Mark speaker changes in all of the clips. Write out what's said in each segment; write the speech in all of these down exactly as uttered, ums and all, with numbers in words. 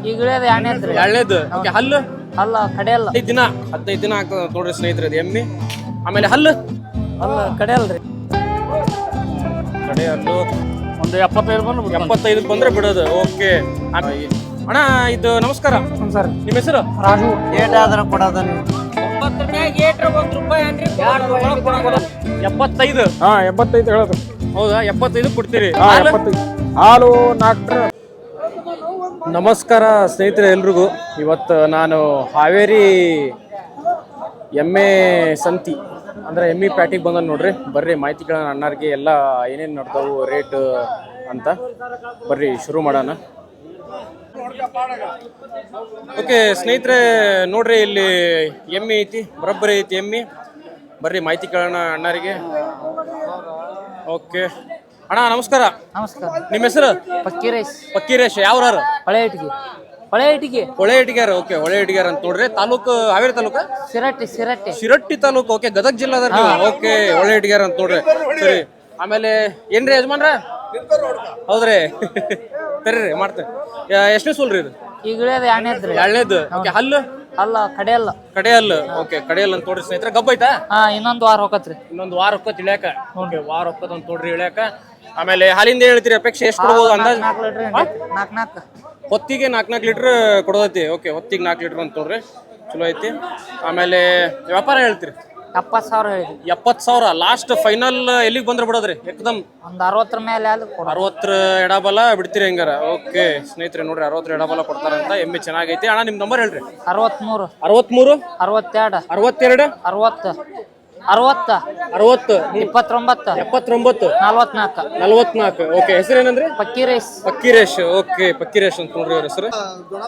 Speaker 1: ಈಗ ಇಳಿಯೋದು ಎರಡನೇದ್ರಿ.
Speaker 2: ಎರಡನೇದು. ಓಕೆ, ಹಲ್ಲು
Speaker 1: ಅಲ್ಲ ಕಡೆ ಅಲ್ಲ.
Speaker 2: ಹದಿನೈದು ದಿನ ಹದಿನೈದು ದಿನ ಆಗ್ತದ ನೋಡ್ರಿ ಸ್ನೇಹಿತರೆ ಅದು ಎಮ್ಮಿ. ಆಮೇಲೆ ಹಲ್ಲು
Speaker 1: ಅಲ್ಲ ಕಡೆ ಅಲ್ರಿ.
Speaker 2: ಕಡೆ ಹಲ್ಲು
Speaker 3: ಒಂದು ಎಪ್ಪತ್ತೈದು ಬಂದ್ರೆ
Speaker 2: ಎಪ್ಪತ್ತೈದಕ್ಕೆ ಬಂದ್ರೆ ಬಿಡೋದು. ಓಕೆ ಅಣ್ಣ, ಇದು ನಮಸ್ಕಾರ
Speaker 1: ಸರ್.
Speaker 2: ನಿಮ್ಮ ಹೆಸರು?
Speaker 1: ರಾಜು.
Speaker 4: ಏಟ್ ಆದ್ರ ಕೊಡೋದ ನೀವು?
Speaker 2: ಎಪ್ಪತ್ತೈದು.
Speaker 3: ಹಾ ಎಪ್ಪತ್ತೈದು ಹೇಳೋದು.
Speaker 2: ಹೌದಾ, ಎಪ್ಪತ್ತೈದು ಕೊಡ್ತೀರಿ.
Speaker 3: ಹಾ ಎಪ್ಪತ್ತೈದು. ಹಾಲು ನಾಲ್ಕು.
Speaker 2: ನಮಸ್ಕಾರ ಸ್ನೇಹಿತರೆ ಎಲ್ರಿಗೂ. ಇವತ್ತು ನಾನು ಹಾವೇರಿ ಎಮ್ಮೆ ಸಂತಿ ಅಂದ್ರೆ ಎಮ್ಮಿ ಪ್ಯಾಟಿಗೆ ಬಂದ ನೋಡ್ರಿ. ಬರ್ರಿ ಮಾಹಿತಿಗಳನ್ನ ಅಣ್ಣಾರಿಗೆ ಎಲ್ಲ ಏನೇನು ನಡ್ತಾವು ರೇಟ್ ಅಂತ ಬರ್ರಿ ಶುರು ಮಾಡೋಣ. ಓಕೆ ಸ್ನೇಹಿತರೆ ನೋಡ್ರಿ, ಇಲ್ಲಿ ಎಮ್ಮಿ ಐತಿ, ಬರೋಬ್ಬರಿ ಐತಿ ಎಮ್ಮಿ. ಬರ್ರಿ ಮಾಹಿತಿ ಕೇಳೋಣ ಅಣ್ಣಾರಿಗೆ. ಓಕೆ ಅಣ್ಣ ನಮಸ್ಕಾರ.
Speaker 1: ನಮಸ್ಕಾರ.
Speaker 2: ನಿಮ್ಮ ಹೆಸರು?
Speaker 1: ಪಕ್ಕೀರೇಶ್.
Speaker 2: ಪಕ್ಕೀರೇಶ್. ಯಾವ್ರಾರು?
Speaker 1: ಹೊಳೆ ಇಟ್ಟಿಗೆ. ಹೊಳೆ ಇಟ್ಟಿಗೆ.
Speaker 2: ಹೊಳೆ ಇಟ್ಟಿಗ್ಯಾರ. ಓಕೆ, ಹೊಳೆ ಇಟ್ಟಿಗ್ಯಾರ ಅಂತ ನೋಡ್ರಿ. ತಾಲೂಕು ಹಾವೇರಿ ತಾಲೂಕ?
Speaker 1: ಸಿರಟ್ಟಿ. ಸಿರಟ್ಟಿ.
Speaker 2: ಶಿರಟ್ಟಿ ತಾಲೂಕು. ಓಕೆ, ಗದಗ ಜಿಲ್ಲಾದ. ಓಕೆ, ಹೊಳೆ ಇಟ್ಟಿಗ್ಯಾರ ಅಂತ ನೋಡ್ರಿ. ಸರಿ, ಆಮೇಲೆ ಏನ್ರಿ ಯಜಮಾನ್ರ? ಹೌದ್ರಿ, ಸರಿ ರೀ ಮಾಡ್ತೇವೆ. ಎಷ್ಟನೇ ಸೂಲ್ರಿ ಇದು?
Speaker 1: ಈಗ ಇಳಿಯೋದು ಎರಡನೇದ್ರಿ.
Speaker 2: ಎರಡನೇದು. ಓಕೆ, ಹಲ್ಲು
Speaker 1: ಅಲ್ಲ ಕಡೆ ಅಲ್ಲ.
Speaker 2: ಕಡೆ ಹಲ್ಲು. ಓಕೆ, ಕಡೆ ಹಲ್ಲು ಅಂತ ನೋಡ್ರಿ ಸ್ನೇಹಿತರೆ. ಗಬ್ಬ ಐತಾ?
Speaker 1: ಹಾ, ಇನ್ನೊಂದು ವಾರ ಹೋಗತ್ರಿ.
Speaker 2: ಇನ್ನೊಂದು ವಾರ ಹೊಕ್ಕತ್ ಇಳ್ಯಾಕ. ಓಕೆ, ವಾರ ಹೊಕ್ಕತ್ ಅಂತ ನೋಡ್ರಿ ಇಳ್ಯಾಕ. ಆಮೇಲೆ ಹಾಲಿಂದ ಏನ್ ಹೇಳ್ತೀರಿ ಅಪೇಕ್ಷೆ? ಎಷ್ಟು ಕೊಡ್ಬೋದು ಅಂದಾಜ್?
Speaker 1: ನಾಲ್ಕು ಲೀಟ್ರ್. ನಾಲ್ಕು ನಾಲ್ಕು
Speaker 2: ಹೊತ್ತಿಗೆ ನಾಲ್ಕು ನಾಲ್ಕು ಲೀಟ್ರ್ ಕೊಡೋದೈತಿ. ಓಕೆ, ಹೊತ್ತಿಗೆ ನಾಲ್ಕು ಲೀಟ್ರ್ ಅಂತ ನೋಡ್ರಿ, ಚಲೋ ಐತಿ. ಆಮೇಲೆ ವ್ಯಾಪಾರ ಹೇಳ್ತೀರಿ?
Speaker 1: ಎಪ್ಪತ್ತು ಸಾವಿರ ಹೇಳಿದ್ವಿ.
Speaker 2: ಎಪ್ಪತ್ತು ಸಾವಿರ ಲಾಸ್ಟ್ ಫೈನಲ್. ಎಲ್ಲಿಗೆ ಬಂದ್ರೆ ಬಿಡೋದ್ರಿ? ಏಕದಮ್
Speaker 1: ಒಂದು ಅರವತ್ತರ ಮೇಲೆ ಆದ್ರೆ ಕೊಡು.
Speaker 2: ಅರವತ್ತರ ಎಡಬಲ ಬಿಡ್ತೀರಿ ಹೆಂಗಾರ? ಓಕೆ ಸ್ನೇಹಿತರೆ ನೋಡ್ರಿ, ಅರವತ್ತರ ಎಡಬಲ ಕೊಡ್ತಾರಂತ. ಎಮ್ಮೆ ಚೆನ್ನಾಗೈತಿ. ಅಣ್ಣ ನಿಮ್ ನಂಬರ್ ಹೇಳ್ರಿ.
Speaker 1: ಅರವತ್ಮೂರು.
Speaker 2: ಅರವತ್ಮೂರು.
Speaker 1: ಅರವತ್ತೆರಡು.
Speaker 2: ಅರವತ್ತೆರಡು.
Speaker 1: ಅರವತ್ತು. ಅರವತ್ತ.
Speaker 2: ಅರವತ್ತು.
Speaker 1: ಇಪ್ಪತ್ತೊಂಬತ್ತು.
Speaker 2: ಎಪ್ಪತ್ತೊಂಬತ್ತು.
Speaker 1: ನಲ್ವತ್ನಾಲ್ಕು.
Speaker 2: ನಲ್ವತ್ನಾಲ್ಕು. ಓಕೆ, ಹೆಸರು ಏನಂದ್ರಿ?
Speaker 1: ಪಕ್ಕೀರೇಶ್.
Speaker 2: ಪಕ್ಕೀರೇಶ್. ಓಕೆ, ಪಕ್ಕೀರೇಶ್ ಅಂತ ನೋಡ್ರಿ ಅವ್ರ ಹೆಸರು.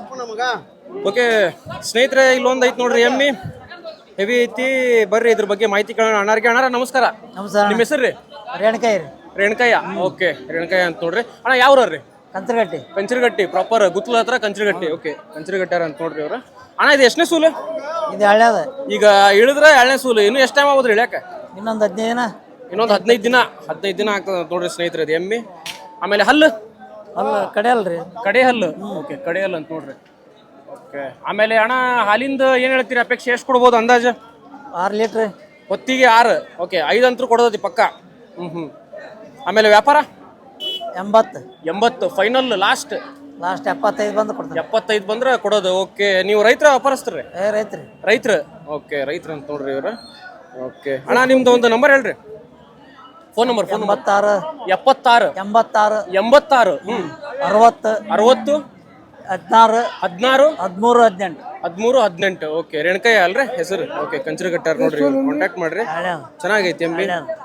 Speaker 2: ಓಕೆ ಸ್ನೇಹಿತರೆ, ಇಲ್ಲೊಂದು ಐತಿ ನೋಡ್ರಿ ಎಮ್ಮಿ, ಹೆವಿ ಐತಿ. ಬರ್ರಿ ಇದ್ರ ಬಗ್ಗೆ ಮಾಹಿತಿ ಕೇಳೋಣ ಅಣ್ಣಾರಿಗೆ. ಅಣ್ಣಾರ ನಮಸ್ಕಾರ.
Speaker 1: ನಮಸ್ಕಾರ.
Speaker 2: ನಿಮ್ಮ ಹೆಸರು ರೀ?
Speaker 1: ರೇಣಕಾಯಿ ರೀ.
Speaker 2: ರೇಣಕಯ್ಯ. ಓಕೆ, ರೇಣಕಯ್ಯ ಅಂತ ನೋಡ್ರಿ. ಅಣ್ಣ ಯಾವ್ರಿ?
Speaker 1: ಕಂತ್ರಗಟ್ಟಿ.
Speaker 2: ಕಂಚರಗಟ್ಟಿ ಪ್ರಾಪರ್, ಗುತ್ಲ ಹತ್ರ ಕಂಚರಗಟ್ಟಿ. ಓಕೆ, ಕಂಚರಗಟ್ಟಾರ ಅಂತ ನೋಡ್ರಿ ಅವ್ರ. ಅಣ್ಣ ಇದು ಎಷ್ಟನೇ ಸೂಲು?
Speaker 1: ಇದು ಹಳ್ಳ್ಯಾದ.
Speaker 2: ಈಗ ಇಳಿದ್ರ ಎರಡನೇ ಸೂಲು. ಇನ್ನು ಎಷ್ಟು ಟೈಮ್ ಆಗೋದ್ರಿ ಇಳ್ಯಾಕ?
Speaker 1: ಇನ್ನೊಂದು ಹದಿನೈದು ದಿನ.
Speaker 2: ಇನ್ನೊಂದು ಹದಿನೈದು ದಿನ. ಹದಿನೈದು ದಿನ ಆಗ್ತದ ನೋಡ್ರಿ ಸ್ನೇಹಿತರೆ ಅದು ಎಮ್ಮಿ. ಆಮೇಲೆ ಹಲ್ಲು
Speaker 1: ಅಲ್ಲ ಕಡೆ ಅಲ್ರಿ.
Speaker 2: ಕಡೆ ಹಲ್ಲು. ಓಕೆ, ಕಡೆ ಹಲ್ಲು ಅಂತ ನೋಡ್ರಿ. ಓಕೆ, ಆಮೇಲೆ ಅಣ್ಣ ಹಾಲಿಂದ ಏನ್ ಹೇಳ್ತೀರಿ ಅಪೇಕ್ಷೆ? ಎಷ್ಟು ಕೊಡ್ಬೋದು ಅಂದಾಜು?
Speaker 1: ಆರು ಲೀಟ್ರ್.
Speaker 2: ಹೊತ್ತಿಗೆ ಆರು. ಓಕೆ, ಐದು ಅಂತೂ ಕೊಡೋದೈತಿ ಪಕ್ಕ. ಹ್ಮ್ ಹ್ಮ್ ಆಮೇಲೆ ವ್ಯಾಪಾರ?
Speaker 1: ಎಂಬತ್ತು.
Speaker 2: ಎಂಬತ್ತು ಫೈನಲ್ ಲಾಸ್ಟ್.
Speaker 1: ಲಾಸ್ಟ್ ಎಪ್ಪತ್ತೈದು ಬಂದು ಕೊಡ್ತಾರೆ.
Speaker 2: ಎಪ್ಪತ್ತೈದು ಬಂದ್ರೆ ಕೊಡೋದು. ಓಕೆ, ನೀವು ರೈತರ ವ್ಯಾಪಾರಸ್ತ್ರಿ?
Speaker 1: ಏ ರೈತ್ರಿ.
Speaker 2: ರೈತರ. ಓಕೆ, ರೈತರ ಅಂತ ನೋಡ್ರಿ ಇವ್ರ. ಓಕೆ ಅಣ್ಣ, ನಿಮ್ದು ಒಂದು ನಂಬರ್ ಹೇಳ್ರಿ, ಫೋನ್ ನಂಬರ್. Phone number?
Speaker 1: ಎಂಬತ್ತಾರು.
Speaker 2: ಎಪ್ಪತ್ತಾರು.
Speaker 1: ಎಂಬತ್ತಾರು.
Speaker 2: ಎಂಬತ್ತಾರು. ಹ್ಮ್
Speaker 1: ಅರವತ್ತು.
Speaker 2: ಅರವತ್ತು.
Speaker 1: ಹದಿನಾರು.
Speaker 2: ಹದಿನಾರು.
Speaker 1: ಹದಿಮೂರು. ಹದಿನೆಂಟು.
Speaker 2: ಹದಿಮೂರು. ಹದಿನೆಂಟು. ಓಕೆ, ರೇಣಕಯ್ಯ ಅಲ್ರಿ ಹೆಸರು? ಓಕೆ, ಕಂಚರಗಟ್ಟಾರ ನೋಡ್ರಿ, ಕಾಂಟ್ಯಾಕ್ಟ್ ಮಾಡ್ರಿ. ಚೆನ್ನಾಗೈತಿ ಎಮ್ಮಿ.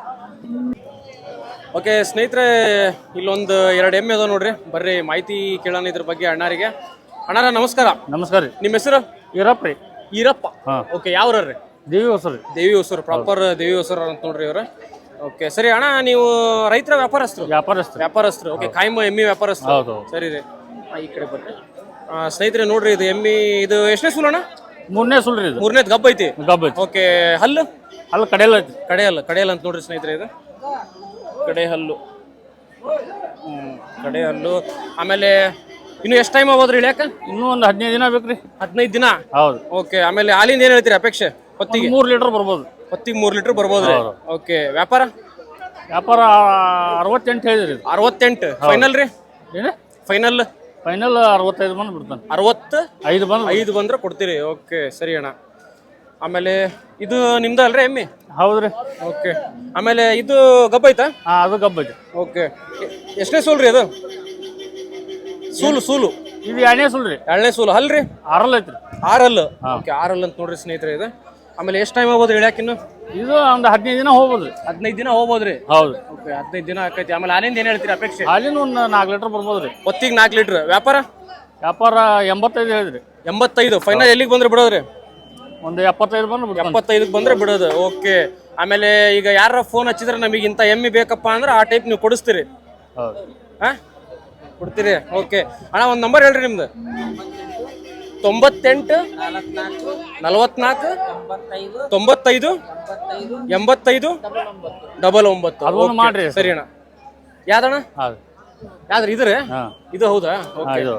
Speaker 2: ಓಕೆ ಸ್ನೇಹಿತರೆ, ಇಲ್ಲೊಂದು ಎರಡು ಎಮ್ಮೆ ಅದಾವ ನೋಡ್ರಿ. ಬರ್ರಿ ಮಾಹಿತಿ ಕೇಳೋಣ ಇದ್ರ ಬಗ್ಗೆ ಅಣ್ಣಾರಿಗೆ. ಅಣ್ಣಾರ ನಮಸ್ಕಾರ.
Speaker 3: ನಮಸ್ಕಾರ ರೀ.
Speaker 2: ನಿಮ್ಮ ಹೆಸರು?
Speaker 3: ಈರಪ್ಪ ರೀ.
Speaker 2: ಈರಪ್ಪ.
Speaker 3: ಹಾ.
Speaker 2: ಓಕೆ, ಯಾವ್ರಿ?
Speaker 3: ದೇವಿ ಹೊಸರು.
Speaker 2: ದೇವಿ ಹೊಸರು ಪ್ರಾಪರ್ ದೇವಿ ಹೊಸರು ಅಂತ ನೋಡ್ರಿ ಇವ್ರ. ಓಕೆ ಸರಿ ಅಣ್ಣ, ನೀವು ರೈತರ ವ್ಯಾಪಾರಸ್ಥರು?
Speaker 3: ವ್ಯಾಪಾರಸ್ಥರು.
Speaker 2: ವ್ಯಾಪಾರಸ್ಥರು. ಓಕೆ, ಕಾಯಂ ಎಮ್ಮಿ ವ್ಯಾಪಾರಸ್ಥರು.
Speaker 3: ಹೌದು.
Speaker 2: ಸರಿ ರೀ, ಈ ಕಡೆ ಬರ್ರಿ. ಸ್ನೇಹಿತರೆ ನೋಡ್ರಿ, ಇದು ಎಮ್ಮಿ ಇದು ಎಷ್ಟನೇ ಸೂಲು ಅಣ್ಣ?
Speaker 3: ಮೂರನೇ ಸುಳ್ರಿ ಇದು.
Speaker 2: ಮೂರನೇದು ಗಬ್ಬ ಐತಿ.
Speaker 3: ಗಬ್ಬ ಐತಿ.
Speaker 2: ಓಕೆ, ಹಲ್ಲು?
Speaker 3: ಅಲ್ಲಿ ಕಡೆಯಲ್ಲ ಐತಿ.
Speaker 2: ಕಡೆ ಹಲ್ಲು. ಕಡೆ ಹಲ್ಲು ಅಂತ ನೋಡ್ರಿ ಸ್ನೇಹಿತರೆ, ಇದು ಕಡೆ ಹಲ್ಲು. ಹ್ಮ್ ಕಡೆ ಹಲ್ಲು. ಆಮೇಲೆ ಇನ್ನು ಎಷ್ಟು ಟೈಮ್ ಆಗೋದ್ರಿ ಇಳ್ಯಾಕ?
Speaker 3: ಇನ್ನೂ ಒಂದು ಹದಿನೈದು ದಿನ ಬೇಕ್ರಿ.
Speaker 2: ಹದಿನೈದು ದಿನ.
Speaker 3: ಹೌದು.
Speaker 2: ಓಕೆ, ಆಮೇಲೆ ಹಾಲಿಂದ ಏನ್ ಹೇಳ್ತೀರಿ ಅಪೇಕ್ಷೆ? ಹೊತ್ತಿಗೆ
Speaker 3: ಮೂರು ಲೀಟರ್ ಬರ್ಬೋದು.
Speaker 2: ಹೊತ್ತಿಗೆ ಮೂರು ಲೀಟರ್ ಬರ್ಬೋದ್ರಿ. ಓಕೆ, ವ್ಯಾಪಾರ?
Speaker 3: ವ್ಯಾಪಾರ ಅರವತ್ತೆಂಟು ಹೇಳಿದ್ರಿ.
Speaker 2: ಅರವತ್ತೆಂಟು ಫೈನಲ್ ರೀ?
Speaker 3: ಏನು
Speaker 2: ಫೈನಲ್?
Speaker 3: ಫೈನಲ್ ಅರವತ್ತೈದು ಬಂದು ಬಿಡ್ತಾನೆ.
Speaker 2: ಅರವತ್ತು
Speaker 3: ಐದು ಬಂದು
Speaker 2: ಐದು ಬಂದ್ರೆ ಕೊಡ್ತೀರಿ. ಓಕೆ ಸರಿ ಅಣ್ಣ. ಆಮೇಲೆ ಇದು ನಿಮ್ದ ಅಲ್ರಿ ಎಮ್ಮಿ?
Speaker 3: ಹೌದ್ರಿ.
Speaker 2: ಓಕೆ, ಆಮೇಲೆ ಇದು ಗಬ್ಬ ಐತಾ?
Speaker 3: ಹಾ, ಅದು ಗಬ್ಬ ಐತಿ.
Speaker 2: ಓಕೆ, ಎಷ್ಟನೇ ಸೂಲ್ ರೀ ಅದು? ಸೂಲು ಸೂಲು
Speaker 3: ಇದು ಎರಡನೇ ಸುಳ್ರಿ.
Speaker 2: ಎರಡನೇ ಸೂಲು. ಹಲ್ರಿ?
Speaker 3: ಆರಲ್ ಐತ್ರಿ.
Speaker 2: ಆರಲ್ಲು. ಓಕೆ, ಆರಲ್ ಅಂತ ನೋಡ್ರಿ ಸ್ನೇಹಿತರೆ ಇದು. ಆಮೇಲೆ ಎಷ್ಟು ಟೈಮ್ ಆಗ್ಬೋದ್ರಿ ಇಳ್ಯಾಕಿನ್ನು?
Speaker 3: ಇದು ಒಂದು ಹದಿನೈದು ದಿನ ಹೋಗ್ಬೋದ್ರಿ.
Speaker 2: ಹದಿನೈದು ದಿನ ಹೋಗ್ಬೋದ್ರಿ.
Speaker 3: ಹೌದು.
Speaker 2: ಓಕೆ, ಹದಿನೈದು ದಿನ ಆಕೈತಿ. ಆಮೇಲೆ ಹಾಲಿಂದ ಏನ್ ಹೇಳ್ತೀರಿ ಅಪೇಕ್ಷೆ?
Speaker 3: ಹಾಲಿನ ಒಂದು ನಾಲ್ಕು ಲೀಟರ್ ಬರ್ಬೋದ್ರಿ.
Speaker 2: ಹೊತ್ತಿಗೆ ನಾಲ್ಕು ಲೀಟರ್. ವ್ಯಾಪಾರ?
Speaker 3: ವ್ಯಾಪಾರ ಎಂಬತ್ತೈದು ಹೇಳಿದ್ರಿ.
Speaker 2: ಎಂಬತ್ತೈದು ಫೈನಲ್. ಎಲ್ಲಿಗೆ ಬಂದ್ರೆ ಬಿಡೋದ್ರಿ?
Speaker 3: ಒಂದು ಎಪ್ಪತ್ತೈದು ಬಂದ್ರೆ
Speaker 2: ಎಪ್ಪತ್ತೈದಕ್ಕೆ ಬಂದ್ರೆ ಬಿಡೋದು. ಓಕೆ, ಆಮೇಲೆ ಈಗ ಯಾರ ಫೋನ್ ಹಚ್ಚಿದ್ರೆ ನಮಗೆ ಇಂಥ ಎಮ್ಮಿ ಬೇಕಪ್ಪ ಅಂದ್ರೆ ಆ ಟೈಪ್ ನೀವು ಕೊಡಿಸ್ತೀರಿ?
Speaker 3: ಹೌದು.
Speaker 2: ಹಾ, ಕೊಡ್ತೀರಿ. ಓಕೆ ಅಣ್ಣ, ಒಂದು ನಂಬರ್ ಹೇಳ್ರಿ ನಿಮ್ದು. ತೊಂಬತ್ತೆಂಟು ನಲವತ್ನಾಲ್ಕು ತೊಂಬತ್ತೈದು ಎಂಬತ್ತೈದು ಡಬಲ್ ಒಂಬತ್ತು.
Speaker 3: ಅದೊಂದು ಮಾಡ್ರಿ.
Speaker 2: ಸರಿ ಅಣ್ಣ. ಯಾವ್ದಣ್ಣ?
Speaker 3: ಹೌದು.
Speaker 2: ಯಾವ್ದ್ರ? ಇದ್ರೆ ಇದು ಹೌದಾ? ಓಕೆ,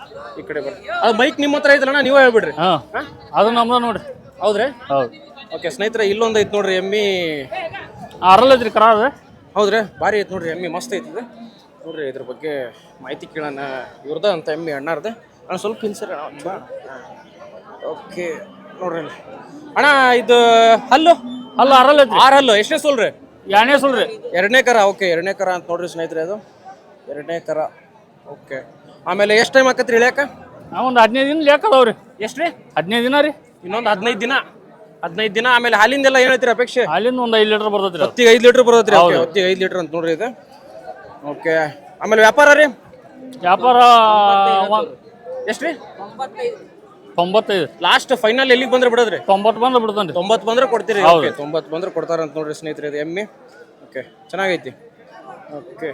Speaker 2: ಈ ಕಡೆ ಬರ್ರಿ ಅದು ಬೈಕ್ ನಿಮ್ಮ ಹತ್ರ ಐತಲ್ಲ ನೀವೇ ಹೇಳ್ಬಿಡ್ರಿ
Speaker 3: ಹಾಂ ಅದು ನಮ್ದು ನೋಡ್ರಿ
Speaker 2: ಹೌದ್ರಿ
Speaker 3: ಹೌದು
Speaker 2: ಓಕೆ ಸ್ನೇಹಿತರೆ ಇಲ್ಲೊಂದು ಐತಿ ನೋಡ್ರಿ ಎಮ್ಮಿ
Speaker 3: ಆರಲ್ಲ ಐತ್ರಿ ಕರ ಅದು
Speaker 2: ಹೌದ್ರಿ ಭಾರಿ ಐತಿ ನೋಡ್ರಿ ಎಮ್ಮಿ ಮಸ್ತ್ ಐತಿ ಇದು ನೋಡ್ರಿ ಇದ್ರ ಬಗ್ಗೆ ಮಾಹಿತಿ ಕೇಳೋಣ ಇವ್ರದ ಅಂತ ಎಮ್ಮಿ ಅಣ್ಣಾರ್ದ ನಾನು ಸ್ವಲ್ಪ ಹಿಂಸರಿ ಓಕೆ ನೋಡ್ರಿ ಅಣ್ಣ ಇದು ಹಲ್ಲು
Speaker 3: ಅಲ್ಲ ಆರಲ್ಲ ಐತ್ರಿ
Speaker 2: ಆರು ಹಲ್ಲು ಎಷ್ಟನೇ ಸೋಲ್ರಿ
Speaker 3: ಎರಡನೇ ಸುಳ್ರಿ
Speaker 2: ಎರಡನೇ ಕರ ಓಕೆ ಎರಡನೇ ಕರ ಅಂತ ನೋಡ್ರಿ ಸ್ನೇಹಿತರೆ ಅದು ಎರಡನೇ ಕರ ಓಕೆ ಆಮೇಲೆ ಎಷ್ಟು ಟೈಮ್ ಆಕತ್ರಿ ಇಳ್ಯಾಕ
Speaker 3: ನಾವು ಒಂದು ಹದಿನೈದು ದಿನ ಲೇಕ್ ಅದಾವ್ರಿ
Speaker 2: ಎಷ್ಟು ರೀ
Speaker 3: ಹದಿನೈದು ದಿನ ರೀ
Speaker 2: ಇನ್ನೊಂದು ಹದಿನೈದು ದಿನ ಹದಿನೈದು ದಿನ ಆಮೇಲೆ ಹಾಲಿಂದೆಲ್ಲ ಏನೈತ್ರಿ ಅಪೇಕ್ಷೆ
Speaker 3: ಅಲ್ಲಿಂದ ಒಂದು ಐದು ಲೀಟರ್ ಬರ್ತೈತ್ರಿ ಅದು.
Speaker 2: ಹೊತ್ತಿಗೆ ಐದು ಲೀಟ್ರ್ ಬರೋದ್ರಿ ಹೊತ್ತಿಗೆ ಐದು ಲೀಟ್ರ್ ಅಂತ ನೋಡ್ರಿ ಇದು ಓಕೆ ಆಮೇಲೆ ವ್ಯಾಪಾರ ರೀ
Speaker 3: ವ್ಯಾಪಾರ ಒಂದ್-
Speaker 2: ಎಷ್ಟು ರೀ
Speaker 3: ತೊಂಬತ್ತೈದು
Speaker 2: ಲಾಸ್ಟ್ ಫೈನಲ್ ಎಲ್ಲಿಗೆ ಬಂದ್ರೆ ಬಿಡೋದ್ರಿ
Speaker 3: ತೊಂಬತ್ತು ಬಂದು ಬಿಡ್ತಾನೆ
Speaker 2: ತೊಂಬತ್ತು ಬಂದ್ರೆ ಕೊಡ್ತೀರಿ ಓಕೆ ತೊಂಬತ್ತು ಬಂದ್ರೆ ಕೊಡ್ತಾರ ಅಂತ ನೋಡ್ರಿ ಸ್ನೇಹಿತರೆ ಇದು ಎಮ್ಮೆ ಓಕೆ ಚೆನ್ನಾಗೈತಿ ಓಕೆ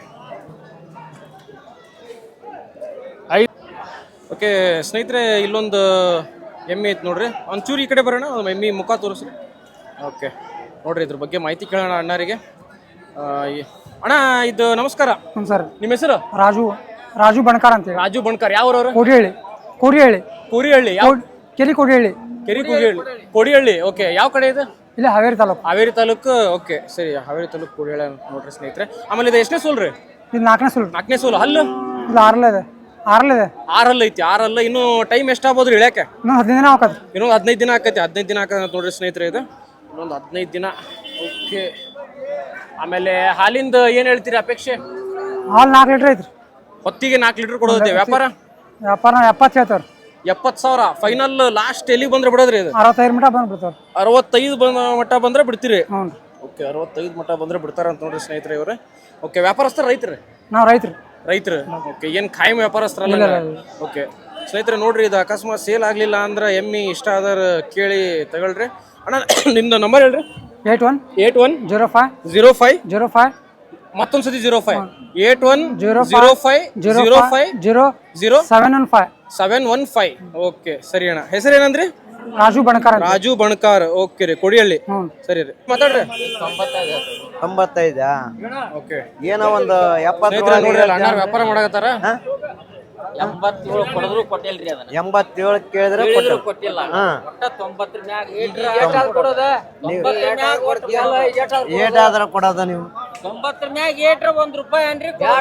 Speaker 3: ಐದು
Speaker 2: ಓಕೆ ಸ್ನೇಹಿತರೆ ಇಲ್ಲೊಂದು ಎಮ್ಮೆ ಐತಿ ನೋಡ್ರಿ ಒಂಚೂರು ಈ ಕಡೆ ಬರೋಣ ಒಂದು ಎಮ್ಮೆ ಮುಖ ತೋರಿಸ್ರಿ ಓಕೆ ನೋಡ್ರಿ ಇದ್ರ ಬಗ್ಗೆ ಮಾಹಿತಿ ಕೇಳೋಣ ಅಣ್ಣರಿಗೆ ಆ, ಈ- ಅಣ್ಣ ಇದು ನಮಸ್ಕಾರ
Speaker 4: ಹ್ಞೂ ಸರ್
Speaker 2: ನಿಮ್ಮ ಹೆಸರು
Speaker 4: ರಾಜು ರಾಜು ಬಣಕಾರ್ ಅಂತೇಳಿ
Speaker 2: ರಾಜು ಬಣ್ಕರ್ ಯಾವ್ರವ್ರು
Speaker 4: ಕೋಡಿಹಳ್ಳಿ ಕೋಡಿಹಳ್ಳಿ
Speaker 2: ಕೂರಿಹಳ್ಳಿ ಯಾವ
Speaker 4: ಕೋಡ್- ಕೆರಿ ಕೋಡಿಹಳ್ಳಿ
Speaker 2: ಕೆರಿ ಕೂರಿಹಳ್ಳಿ ಕೋಡಿಹಳ್ಳಿ ಓಕೆ ಯಾವ ಕಡೆ ಇದು
Speaker 4: ಇಲ್ಲ ಹಾವೇರಿ ತಾಲೂಕು
Speaker 2: ಹಾವೇರಿ ತಾಲೂಕು ಓಕೆ ಸರಿ ಹಾವೇರಿ ತಾಲೂಕು ಕೂಡಿಹಳ್ಳಿ ಅಂತ ನೋಡ್ರಿ ಸ್ನೇಹಿತರೆ ಆಮೇಲೆ ಇದು ಎಷ್ಟನೇ ಸೋಲ್ ರೀ
Speaker 4: ಇದು ನಾಲ್ಕನೇ ಸುಳ್ಳು
Speaker 2: ನಾಲ್ಕನೇ ಸೋಲು ಹಲ್ಲು
Speaker 4: ಇಲ್ಲ ಆರಲ್ಲ ಇದೆ ಆರಲ್ಲ ಇದೆ
Speaker 2: ಆರಲ್ಲ ಐತಿ ಆರಲ್ಲ ಇನ್ನು ಟೈಮ್ ಎಷ್ಟಾಗ್ಬೋದು ಇಳ್ಯಾಕೆ
Speaker 4: ಇನ್ನೊಂದು ಹದಿನೈದು ದಿನ ಹಾಕತ್ತೆ
Speaker 2: ಇನ್ನೊಂದು ಹದಿನೈದು ದಿನ ಆಕೈತಿ ಹದಿನೈದು ದಿನ ಆಕತ್ತೆ ನೋಡ್ರಿ ಸ್ನೇಹಿತರೆ ಇದು ಇನ್ನೊಂದು ಹದಿನೈದು ದಿನ ಓಕೆ ಆಮೇಲೆ ಹಾಲಿಂದ ಏನು ಹೇಳ್ತೀರಿ ಅಪೇಕ್ಷೆ
Speaker 4: ಹಾಲು ನಾಲ್ಕು ಲೀಟ್ರ್ ಐತ್ರಿ
Speaker 2: ಹೊತ್ತಿಗೆ ನಾಲ್ಕು ಲೀಟರ್ ಕೊಡೋದೈತಿ ವ್ಯಾಪಾರ
Speaker 4: ವ್ಯಾಪಾರ ಎಪ್ಪತ್ತು ಹೇಳ್ತಾರೆ
Speaker 2: ಎಪ್ಪತ್ತು ಸಾವಿರ ಫೈನಲ್ ಲಾಸ್ಟ್ ಎಲ್ಲಿಗೆ ಬಂದ್ರೆ ಬಿಡೋದ್ರಿ ಇದು
Speaker 4: ಅರವತ್ತೈದು ಮೀಟ ಬಂದ್ಬಿಡ್ತಾರೆ
Speaker 2: ಅರವತ್ತೈದು ಬಂದ ಮಟ್ಟ ಬಂದ್ರೆ ಬಿಡ್ತೀರಿ
Speaker 4: ಹ್ಞೂ
Speaker 2: ಓಕೆ ಅರವತ್ತೈದು ಮಟ್ಟ ಬಂದ್ರೆ ಬಿಡ್ತಾರ ಅಂತ ನೋಡ್ರಿ ಸ್ನೇಹಿತರೆ ಇವ್ರೆ ಓಕೆ ವ್ಯಾಪಾರಸ್ಥರು ರೈತರು
Speaker 4: ನಾವು ರೈತರು
Speaker 2: ರೈತರು ಓಕೆ ಏನು ಖಾಯಂ ವ್ಯಾಪಾರಸ್ಥರಲ್ಲ ಓಕೆ ಸ್ನೇಹಿತರೆ ನೋಡ್ರಿ ಇದು ಅಕಸ್ಮಾತ್ ಸೇಲ್ ಆಗಲಿಲ್ಲ ಅಂದ್ರೆ ಎಮ್ಮಿ ಇಷ್ಟ ಆದರ ಕೇಳಿ ತಗೊಳ್ರಿ ಅಣ್ಣ ನಿಮ್ದು ನಂಬರ್ ಹೇಳ್ರಿ
Speaker 4: eight one
Speaker 2: eight one
Speaker 4: zero five
Speaker 2: zero five
Speaker 4: zero five
Speaker 2: ಮತ್ತೊಂದು ಸತಿ zero five eight one
Speaker 4: zero
Speaker 2: zero five
Speaker 4: zero
Speaker 2: zero five
Speaker 4: zero
Speaker 2: zero
Speaker 4: seven one five
Speaker 2: seven one five okay ಸರಿ ಅಣ್ಣ ಹೆಸರು ಏನಂದ್ರಿ
Speaker 4: ರಾಜು ಬಣಕಾರ್ ಅಂತ
Speaker 2: ರಾಜು ಬಣ್ಕಾರ್ ಓಕೆ ರೀ ಕೊಡಿಹಳ್ಳಿ
Speaker 4: ಹ್ಞೂ
Speaker 2: ಸರಿ ರೀ ಮಾತಾಡ್ರಿ
Speaker 5: ತೊಂಬತ್ತೈದಾ
Speaker 2: ಓಕೆ
Speaker 5: ಏನೋ ಒಂದು
Speaker 2: ಸ್ನೇಹಿತರೆ ನೋಡ್ರಿ ಅಲ್ಲಿ ಅಣ್ಣ
Speaker 5: ಎಪ್ಪತ್ತು
Speaker 2: ವ್ಯಾಪಾರ ಮಾಡಕತ್ತಾರ
Speaker 6: ಎಂಬತ್ತೇಳು ಕೊಡದ್ರು ಕೊಟ್ಟಿಲ್ರಿ ಅದನ್ನ
Speaker 5: ಎಂಬತ್ತೇಳು ಕೇಳಿದ್ರೆ ಕೊಟ್ಟು
Speaker 6: ಕೊಟ್ಟಿಲ್ಲ
Speaker 5: ಹಾ
Speaker 6: ಒಟ್ಟ ತೊಂಬತ್ತರ ಮ್ಯಾಗ ತೊಂಬತ್ತರ ಮ್ಯಾಗ ಕೊಡ್ತೀಯಲ್ಲ, ಏಟಾದ್ ಕೊಡು.
Speaker 5: ಏಟಾದ್ರ ಕೊಡೋದ ನೀವು
Speaker 6: ತೊಂಬತ್ತರ ಮ್ಯಾಗ ಏಟ್ರ ಒಂದ್ ರೂಪಾಯಿ ಅನ್ರಿ
Speaker 5: ಹಾ?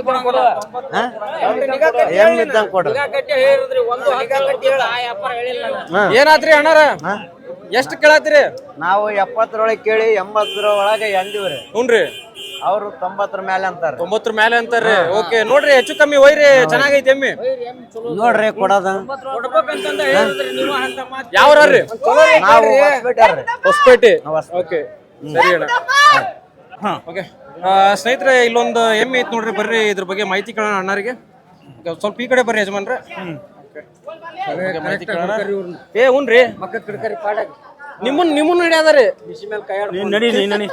Speaker 5: ಎಮ್ ಇದ್ದಂಗೆ ಕೊಡು
Speaker 6: ಗಟ್ಟಿ ಹೇಳಿದ್ರಿ ಒಂದು ಹಗ್ಗ ಗಟ್ಟಿ ಹೇಳ ಆ ವ್ಯಾಪಾರ ಹೇಳಿಲ್ಲ ನಾನು.
Speaker 5: ಹಾ.
Speaker 2: ಏನಾತ್ರಿ ಅಣ್ಣಾರ ಎಷ್ಟು ಕೇಳತ್ತೀರಿ
Speaker 5: ನಾವು ಎಪ್ಪತ್ತರೊಳಗೆ ಕೇಳಿ ಎಂಬತ್ತರ ಒಳಗೆ ಎಂದಿವ್ರಿ
Speaker 2: ಹ್ಞೂನ್ರಿ
Speaker 5: ಅವರು ತೊಂಬತ್ತರ ಮೇಲೆ ಅಂತಾರ
Speaker 2: ತೊಂಬತ್ತರ ಮೇಲೆ ಅಂತಾರ್ರಿ ಓಕೆ ನೋಡ್ರಿ ಹೆಚ್ಚು ಕಮ್ಮಿ ಒಯ್ರಿ ಚೆನ್ನಾಗೈತಿ ಎಮ್ಮಿ
Speaker 5: ನೋಡ್ರಿ ಕೊಡೋದ
Speaker 6: ಕೊಡ್ಬೇಕಂತಂದ ಹೇಳಿದ್ರಿ ನೀವು ಅಂತ ಮಾತು
Speaker 2: ಯಾವ್ರಿ
Speaker 5: ನಾವು ಹೊಸ್ಬಿಟ್ಟಾರ್ರಿ.
Speaker 2: ಹೊಸಪೇಟೆ ಓಕೆ ಸರಿ ಅಣ್ಣ ಓಕೆ ಸ್ನೇಹಿತರೆ ಇಲ್ಲೊಂದು ಎಮ್ಮೆ ಐತಿ ನೋಡ್ರಿ ಬರ್ರಿ ಇದ್ರ ಬಗ್ಗೆ ಮಾಹಿತಿ ಕೇಳೋಣ ಅಣ್ಣರಿಗೆ ಈಗ ಸ್ವಲ್ಪ ಈ ಕಡೆ ಬರ್ರಿ ಯಜಮಾನ್ರೆ Okay. ಮಾಹಿತಿ ಕೇಳೋಣ. ಏ ಹ್ಞೂನ್ರಿ ನಿಮ್ಮನ್ ನಿಮ್ಮನ್ನ ಹಿಡಿಯದಾರಿ
Speaker 3: ನಡಿ ನೀ ನಡಿ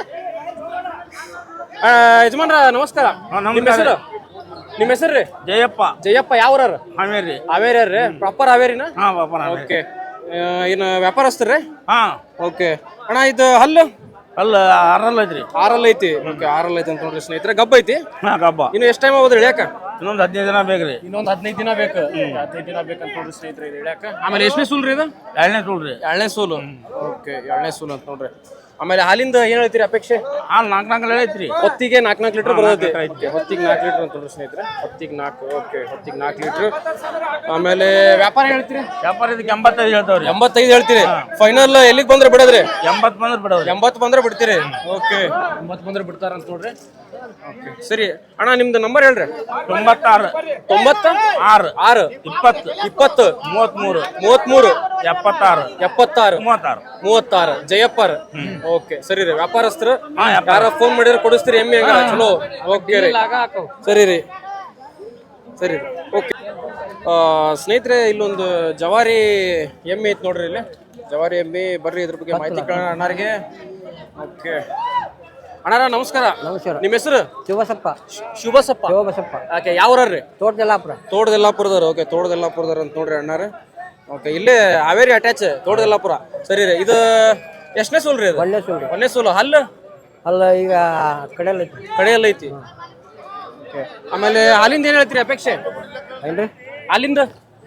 Speaker 2: ಆ, ಯಜಮಾನ್ರ ನಮಸ್ಕಾರ ನಿಮ್ಮ ಹೆಸರು ನಿಮ್ಮ ಹೆಸರು ರೀ
Speaker 3: ಜಯಪ್ಪ
Speaker 2: ಜಯಪ್ಪ ಯಾವ್ರ
Speaker 3: ಹಾವೇರಿ
Speaker 2: ಹಾವೇರಿ ರೀ ಪ್ರಾಪರ್ ಹಾವೇರಿನ
Speaker 3: ಹಾ ಪಾಪ
Speaker 2: ಓಕೆ ಏನು ವ್ಯಾಪಾರಸ್ಥರ್ರಿ
Speaker 3: ಹಾ
Speaker 2: ಓಕೆ ಅಣ್ಣ ಇದು ಹಲ್ಲು
Speaker 3: ಅಲ್ಲ ಆರಲ್ಲ ಐತ್ರಿ
Speaker 2: ಆರಲ್ ಐತಿ ಓಕೆ ಆರಲ್ ಐತಿ ಅಂತ ನೋಡ್ರಿ ಸ್ನೇಹಿತರೆ ಗಬ್ಬ ಐತಿ
Speaker 3: ಹಾ ಕಬ್ಬ
Speaker 2: ಇನ್ನು ಎಷ್ಟು ಟೈಮ್ ಆಗೋದ್ರಿ ಇಳ್ಯಾಕ
Speaker 3: ಇನ್ನೊಂದು ಹದಿನೈದು ದಿನ ಬೇಕ್ರಿ
Speaker 2: ಇನ್ನೊಂದು ಹದಿನೈದು ದಿನ ಬೇಕು ಹದಿನೈದು ದಿನ ಬೇಕಂತ ನೋಡ್ರಿ ಸ್ನೇಹಿತರೆ ಇದು ಇಳ್ಯಾಕ ಆಮೇಲೆ ಎಷ್ಟನೇ ಸೂಲ್ ರೀ ಇದು
Speaker 3: ಎರಡನೇ ಸುಳ್ರಿ
Speaker 2: ಎರಡನೇ ಸೂಲು ಓಕೆ ಎರಡನೇ ಸೂಲು ಅಂತ ನೋಡ್ರಿ ಆಮೇಲೆ ಹಾಲಿಂದ ಏನ್ ಹೇಳ್ತೀರಿ ಅಪೇಕ್ಷೆ
Speaker 3: ಹಾಲು ನಾಲ್ಕು ನಾಲ್ಕು ಐತ್ರಿ
Speaker 2: ಹೊತ್ತಿಗೆ ನಾಲ್ಕು ನಾಲ್ಕು ಲೀಟರ್ ಬರೋದೈತಿ ಹೊತ್ತಿಗೆ ನಾಲ್ಕು ಲೀಟರ್ ಅಂತ ನೋಡ್ರಿ ಸ್ನೇಹಿತರೆ ಹೊತ್ತಿಗೆ ನಾಲ್ಕು ಓಕೆ ಹೊತ್ತಿಗೆ ನಾಲ್ಕು ಲೀಟರ್ ಆಮೇಲೆ ವ್ಯಾಪಾರ ಹೇಳ್ತೀರಿ
Speaker 3: ವ್ಯಾಪಾರ ಇದಕ್ಕೆ ಎಂಬತ್ತೈದು ಹೇಳ್ತಾವ್ರಿ
Speaker 2: ಎಂಬತ್ತೈದು ಹೇಳ್ತೀರಿ ಫೈನಲ್ ಎಲ್ಲಿಗೆ ಬಂದ್ರೆ ಬಿಡೋದ್ರಿ
Speaker 3: ಎಂಬತ್ತು ಬಂದ್ರೆ ಬಿಡೋರಿ
Speaker 2: ಎಂಬತ್ತು ಬಂದ್ರೆ ಬಿಡ್ತೀರಿ ಓಕೆ ಎಂಬತ್ತು ಬಂದ್ರೆ ಬಿಡ್ತಾರ ಅಂತ ನೋಡ್ರಿ ಓಕೆ ಸರಿ ಅಣ್ಣ ನಿಮ್ದು ನಂಬರ್ ಹೇಳ್ರಿ
Speaker 3: ತೊಂಬತ್ತಾರು
Speaker 2: ತೊಂಬತ್ತ
Speaker 3: ಆರು
Speaker 2: ಆರು
Speaker 3: ಇಪ್ಪತ್ತು
Speaker 2: ಇಪ್ಪತ್ತು
Speaker 3: ಮೂವತ್ಮೂರು
Speaker 2: ಮೂವತ್ಮೂರು
Speaker 3: ಎಪ್ಪತ್ತಾರು
Speaker 2: ಎಪ್ಪತ್ತಾರು
Speaker 3: ಮೂವತ್ತಾರು
Speaker 2: ಮೂವತ್ತಾರು ಜಯಪ್ಪರ್ ಓಕೆ ಸರಿ ರೀ ವ್ಯಾಪಾರಸ್ಥರು
Speaker 3: ಹಾ, ವ್ಯಾಪಾರ.
Speaker 2: ಯಾರ ಫೋನ್ ಮಾಡಿದ್ರೆ ಕೊಡಿಸ್ತೀರಿ ಎಮ್ಮೆ ಹಂಗ ಚಲೋ ಓಕೆ ರೀ ಸರಿ ರೀ ಸರಿ ರೀ ಓಕೆ ಸ್ನೇಹಿತರೆ ಇಲ್ಲೊಂದು ಜವಾರಿ ಎಮ್ಮೆ ಐತಿ ನೋಡ್ರಿ ಇಲ್ಲಿ ಜವಾರಿ ಎಮ್ಮೆ ಬರ್ರಿ ಇದ್ರ ಬಗ್ಗೆ ಮಾಹಿತಿ ಕೇಳೋಣ ಅಣ್ಣಾರಿಗೆ ಓಕೆ ಅಣ್ಣಾರ ನಮಸ್ಕಾರ
Speaker 1: ನಮಸ್ಕಾರ.
Speaker 2: ನಿಮ್ಮ ಹೆಸರು
Speaker 1: ಶಿವಸಪ್ಪ
Speaker 2: ಶುಭಸಪ್ಪ
Speaker 1: ಶಿವಬಸಪ್ಪ
Speaker 2: ಓಕೆ ಯಾವ್ರಿ
Speaker 1: ತೋಟದಲ್ಲಾಪುರ
Speaker 2: ತೋಟದೆಲ್ಲಾಪುರದವ್ರು ಓಕೆ ತೋಟದೆಲ್ಲಾಪುರದವ್ರು ಅಂತ ನೋಡ್ರಿ ಅಣ್ಣಾರ ಓಕೆ ಇಲ್ಲೇ ಹಾವೇರಿ ಅಟ್ಯಾಚ್ ತೋಟದೆಲ್ಲಾಪುರ ಸರಿ ರೀ ಇದು ಎಷ್ಟನೇ ಸೋಲ್ ರೀ ಇದು
Speaker 1: ಒಳ್ಳೆ ಸುಳ್ಳು
Speaker 2: ಒಂದೇ ಸೋಲು ಹಲ್ಲು
Speaker 1: ಅಲ್ಲ ಈಗ ಕಡೆಯಲ್ಲಿ ಐತಿ
Speaker 2: ಕಡೆಯಲ್ಲ ಐತಿ ಓಕೆ ಆಮೇಲೆ ಹಾಲಿಂದ ಏನು ಹೇಳ್ತೀರಿ ಅಪೇಕ್ಷೆ
Speaker 1: ಏನ್ರಿ
Speaker 2: ಹಾಲಿಂದ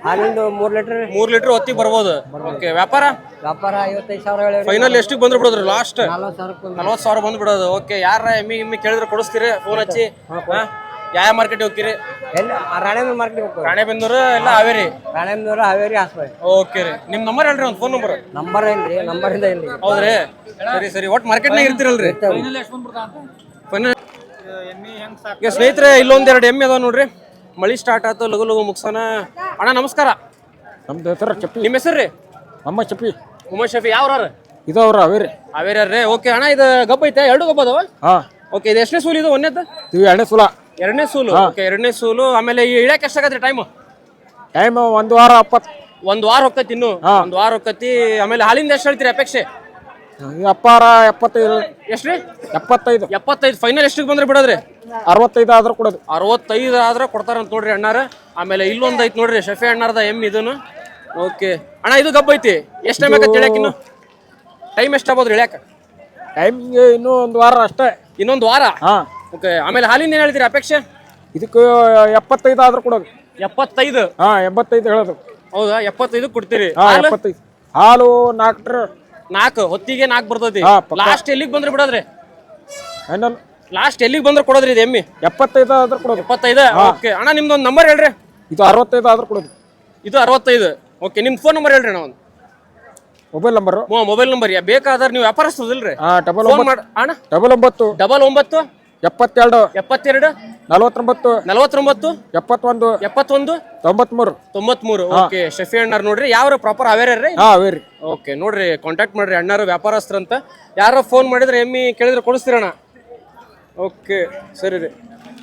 Speaker 1: ಹಾಲಿಂದು ಮೂರು ಲೀಟ್ರ್
Speaker 2: ಮೂರ್ ಲೀಟರ್ ಹೊತ್ತಿಗೆ ಬರ್ಬೋದು. ಓಕೆ, ವ್ಯಾಪಾರ
Speaker 1: ವ್ಯಾಪಾರ ಐವತ್ತೈದು ಸಾವಿರ ಹೇಳಿ
Speaker 2: ಫೈನಲ್ ಎಷ್ಟಿಗೆ ಬಂದ್ರು ಬಿಡೋದ್ರಿ? ಲಾಸ್ಟ್
Speaker 1: ನಲ್ವತ್ತು ಸಾವಿರಕ್ಕೆ
Speaker 2: ನಲ್ವತ್ತು ಸಾವಿರ ಬಂದು ಬಿಡೋದು. ಓಕೆ, ಯಾರ ಎಮ್ಮಿ ಎಮ್ಮಿ ಕೇಳಿದ್ರೆ ಕೊಡಿಸ್ತೀರಿ? ಫೋನ್ ಹಚ್ಚಿ. ಯಾವ ಮಾರ್ಕೆಟ್ ಹೋಗ್ತೀರಿ?
Speaker 1: ಎಲ್ಲಿ ರಾಣೇಬೆನ್ನೂರು ಮಾರ್ಕೆಟ್ ಹೋಗ್ತೀವಿ.
Speaker 2: ರಾಣೆಬೆನ್ನೂರು ಎಲ್ಲ ಹಾವೇರಿ?
Speaker 1: ರಾಣೇಬೆನ್ನೂರು ಹಾವೇರಿ ಹಾಸ್ಪಲ್.
Speaker 2: ಓಕೆ ರೀ, ನಿಮ್ ನಂಬರ್ ಹೇಳ್ರಿ, ಒಂದು ಫೋನ್ ನಂಬರ್.
Speaker 1: ನಂಬರ್ ಏನ್ರಿ? ನಂಬರಿಂದ ಇಲ್ರಿ.
Speaker 2: ಹೌದ್ರಿ, ಸರಿ ಸರಿ. ಒಟ್ಟು ಮಾರ್ಕೆಟ್ನಾಗ ಇರ್ತೀರಲ್ರಿ? ಫೈನಲ್. ಈಗ ಸ್ನೇಹಿತರೆ, ಇಲ್ಲೊಂದ್ ಎರಡು ಎಮ್ಮೆ ಅದಾವ ನೋಡ್ರಿ. ಮಳಿ ಸ್ಟಾರ್ಟ್ ಆಯ್ತು, ಲಗು ಲಗು ಮುಗ್ಸೋಣ. ಅಣ್ಣ ನಮಸ್ಕಾರ.
Speaker 7: ನಮ್ದು ಹೆಸರು ಚಪ್ಪಿ.
Speaker 2: ನಿಮ್ಮ ಹೆಸರು ರೀ?
Speaker 7: ನಮ್ಮ ಚಪ್ಪಿ.
Speaker 2: ಉಮೇಶ್ ಶಫಿ. ಯಾವ್ರ?
Speaker 7: ಇದು ಅವ್ರ ಅವೇರಿ.
Speaker 2: ಹಾವೇರಿ. ಓಕೆ ಅಣ್ಣ, ಇದು ಗಬ್ಬ ಐತೆ? ಎರಡು ಗಬ್ಬ ಅದಾವ?
Speaker 7: ಹಾ.
Speaker 2: ಓಕೆ, ಇದು ಎಷ್ಟನೇ ಸೂಲು? ಇದು ಒಂದೇದ?
Speaker 7: ಇವು ಎರಡನೇ ಸೂಲ.
Speaker 2: ಎರಡನೇ ಸೂಲು. ಓಕೆ, ಎರಡನೇ ಸೂಲು. ಆಮೇಲೆ ಈ ಇಳ್ಯಾಕ ಎಷ್ಟಾಗತ್ರಿ ಟೈಮ್?
Speaker 7: ಟೈಮ್ ಒಂದು ವಾರ ಅಪ್ಪತ್ತು.
Speaker 2: ಒಂದ್ ವಾರ ಹೋಗ್ತೈತಿ ಇನ್ನು. ಒಂದ್ ವಾರ ಹೋಗ್ತೈತಿ. ಆಮೇಲೆ ಹಾಲಿಂದ ಎಷ್ಟು ಹೇಳ್ತೀರಿ ಅಪೇಕ್ಷೆ?
Speaker 7: ಅಪ್ಪಾರ ಎಪ್ಪತ್ತೈದು.
Speaker 2: ಎಷ್ಟ್ರಿ?
Speaker 7: ಎಪ್ಪತ್ತೈದು.
Speaker 2: ಎಪ್ಪತ್ತೈದು. ಫೈನಲ್ ಎಷ್ಟಿಗೆ ಬಂದ್ರೆ ಬಿಡೋದ್ರಿ?
Speaker 7: ಅರವತ್ತೈದು ಆದ್ರೆ ಕೊಡೋದು.
Speaker 2: ಅರವತ್ತೈದು ಆದ್ರೆ ಕೊಡ್ತಾರಂತ ನೋಡ್ರಿ ಅಣ್ಣಾರ. ಆಮೇಲೆ ಇಲ್ಲೊಂದ್ ಐತಿ ನೋಡ್ರಿ, ಶಫಿ ಅಣ್ಣಾರದ ಎಮ್ ಇದನ್ನು. ಓಕೆ ಅಣ್ಣ, ಇದು ಗಬ್ಬ ಐತಿ. ಎಷ್ಟು ಟೈಮ್ ಆಗತ್ತೆ ಇಳ್ಯಾಕ? ಇನ್ನು ಟೈಮ್ ಎಷ್ಟಾಗ್ಬೋದ್ರಿ ಇಳ್ಯಾಕ?
Speaker 7: ಟೈಮಿಂಗ್ ಇನ್ನೂ ಒಂದು ವಾರ ಅಷ್ಟೇ.
Speaker 2: ಇನ್ನೊಂದು ವಾರ?
Speaker 7: ಹಾ.
Speaker 2: ಓಕೆ, ಆಮೇಲೆ ಹಾಲಿಂದ ಏನ್ ಹೇಳ್ತೀರಿ ಅಪೇಕ್ಷೆ?
Speaker 7: ಇದಕ್ಕೆ ಎಪ್ಪತ್ತೈದು ಆದ್ರೆ ಕೊಡೋದು.
Speaker 2: ಎಪ್ಪತ್ತೈದು?
Speaker 7: ಹಾ, ಎಂಬತ್ತೈದು ಹೇಳೋದು.
Speaker 2: ಹೌದಾ? ಎಪ್ಪತ್ತೈದು ಕೊಡ್ತೀರಿ?
Speaker 7: ಹಾ, ಎಪ್ಪತ್ತೈದು. ಹಾಲು ನಾಲ್ಕರ
Speaker 2: ನಾಲ್ಕು ಹೊತ್ತಿಗೆ ನಾಲ್ಕು ಬರ್ತೈತಿ.
Speaker 7: ಹಾ, ಪಕ್ಕ.
Speaker 2: ಲಾಸ್ಟ್ ಎಲ್ಲಿಗೆ ಬಂದ್ರೆ ಬಿಡೋದ್ರಿ?
Speaker 7: ಫೈನಲ್
Speaker 2: ಲಾಸ್ಟ್ ಎಲ್ಲಿಗೆ ಬಂದ್ರೆ ಕೊಡೋದ್ರಿ ಇದು ಎಮ್ಮಿ?
Speaker 7: ಎಪ್ಪತ್ತೈದು ಆದ್ರೆ ಕೊಡೋದು.
Speaker 2: ಎಪ್ಪತ್ತೈದು. ಓಕೆ ಅಣ್ಣ, ನಿಮ್ದೊಂದು ನಂಬರ್ ಹೇಳ್ರಿ.
Speaker 7: ಇದು ಅರವತ್ತೈದು ಆದ್ರೆ ಕೊಡೋದು.
Speaker 2: ಇದು ಅರವತ್ತೈದು. ಓಕೆ, ನಿಮ್ ಫೋನ್ ನಂಬರ್ ಹೇಳ್ರಿ ಅಣ್ಣ. ಒಂದು
Speaker 7: ಮೊಬೈಲ್ ನಂಬರು.
Speaker 2: ಮೊಬೈಲ್ ನಂಬರ್ ಬೇಕಾದ್ರೆ ನೀವು ವ್ಯಾಪಾರಸ್ತದಿಲ್ರಿ?
Speaker 7: ಹಾ, ಡಬಲ್
Speaker 2: ಫೋನ್
Speaker 7: ಒಂಬತ್ತು
Speaker 2: ಮಾಡಿ ಅಣ್ಣ.
Speaker 7: ಡಬಲ್ ಒಂಬತ್ತು
Speaker 2: ಡಬಲ್ ಒಂಬತ್ತು
Speaker 7: ಎಪ್ಪತ್ತೆರಡು
Speaker 2: ಎಪ್ಪತ್ತೆರಡು
Speaker 7: ನಲವತ್ತೊಂಬತ್ತು
Speaker 2: ನಲವತ್ತೊಂಬತ್ತು
Speaker 7: ಎಪ್ಪತ್ತೊಂದು
Speaker 2: ಎಪ್ಪತ್ತೊಂದು
Speaker 7: ತೊಂಬತ್ಮೂರು
Speaker 2: ತೊಂಬತ್ಮೂರು. ಓಕೆ, ಶಫಿ ಅಣ್ಣಾರ್ ನೋಡ್ರಿ. ಯಾವ ಪ್ರಾಪರ್ ಹಾವೇರಿ?
Speaker 7: ಹಾ, ಅವೇರಿ.
Speaker 2: ಓಕೆ, ನೋಡ್ರಿ, ಕಾಂಟ್ಯಾಕ್ಟ್ ಮಾಡ್ರಿ. ಅಣ್ಣಾರು ವ್ಯಾಪಾರಸ್ಥರಂತ. ಯಾರೋ ಫೋನ್ ಮಾಡಿದ್ರೆ ಎಮ್ಮಿ ಕೇಳಿದ್ರೆ ಕೊಡಿಸ್ತೀರಣ್ಣ? ಓಕೆ, ಸರಿ ರೀ.